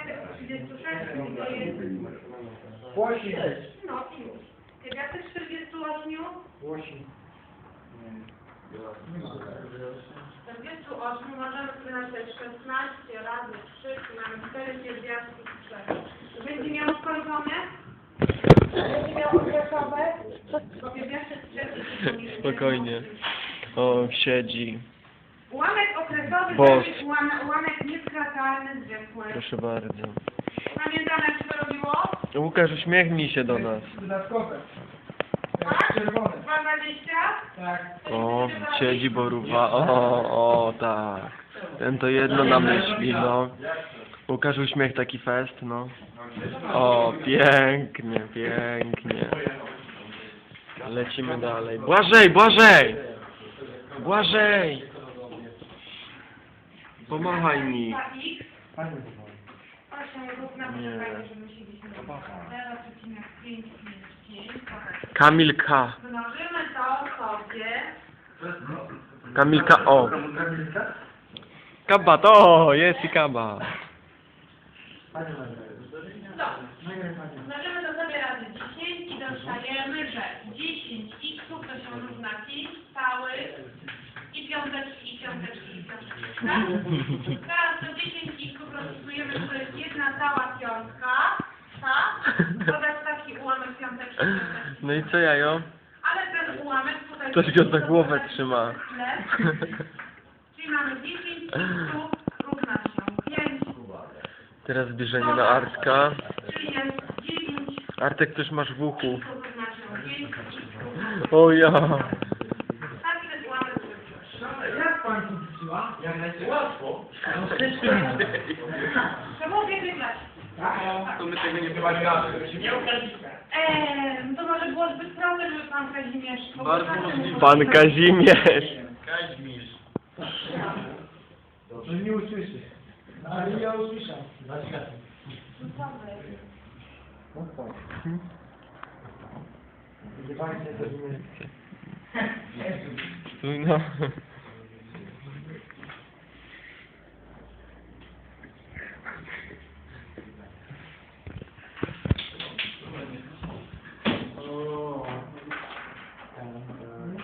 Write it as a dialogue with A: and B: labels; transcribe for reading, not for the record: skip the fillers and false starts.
A: pierwiastek 36 to jest...
B: 8.
A: No i już. Pierwiastek 48.
B: 8.
A: 48 możemy sobie napisać 16 razy 3, czyli mamy 4 pierwiastki z 3. Będzie miał skończone? Będzie miał okresowe? Bo pierwiastek 3
C: Spokojnie. O, siedzi.
A: Ułamek okresowy
C: Boss.
A: to jest ułamek nieskracalny zwykły.
C: Proszę bardzo.
A: Pamiętamy jak się to robiło?
C: Łukasz, uśmiechnij się do nas.
B: Dodatkowe.
A: Tak?
B: Czerwone.
A: 2,20?
B: Tak.
C: O, siedzi borówa. O, tak. Ten to jedno na myśli, no. Łukasz, uśmiech taki fest, no. O, pięknie, pięknie. Lecimy dalej. Błażej, Błażej! Błażej! Pomachaj mi.
B: Pani
A: Proszę, rób na poczekanie, że musieliśmy 0,555.
C: Kamil K.
A: Mnożymy to sobie.
C: Kamilka O. Kaba, to jest i kaba.
B: Pani Maria.
A: No. Mnożymy to sobie razy 10 i dostajemy, że 10 x to się równa 5 całych i piąteczki, i piąteczki, i piąteczki. Tak? Teraz to 10 x rozpisujemy, że to jest jedna cała piątka. Tak? Dodać taki ułamek piąteczki, piąteczki.
C: No i co jajo?
A: Ale ten ułamek tutaj...
C: Ktoś go za głowę trzyma.
A: Czyli mamy 10 x równa się 5.
C: Teraz zbliżenie na Artka.
A: Czyli jest 9
C: Artek, też masz w uchu.
A: równa się 5 x.
C: O ja.
A: Taki ten ułamek wyszło.
B: Jak pani tu wróciła? Jak najlepiej łatwo.
A: Trzeba było wygrać.
B: To my tego nie wywalimy.
A: To może było zbyt proste, żeby pan Kazimierz...
C: Bardzo możliwe. Pan Kazimierz.
B: Dobrze nie usłyszy. Ale ja usłyszał. No tak. Gdzie pani się zrozumie?
C: Stój no.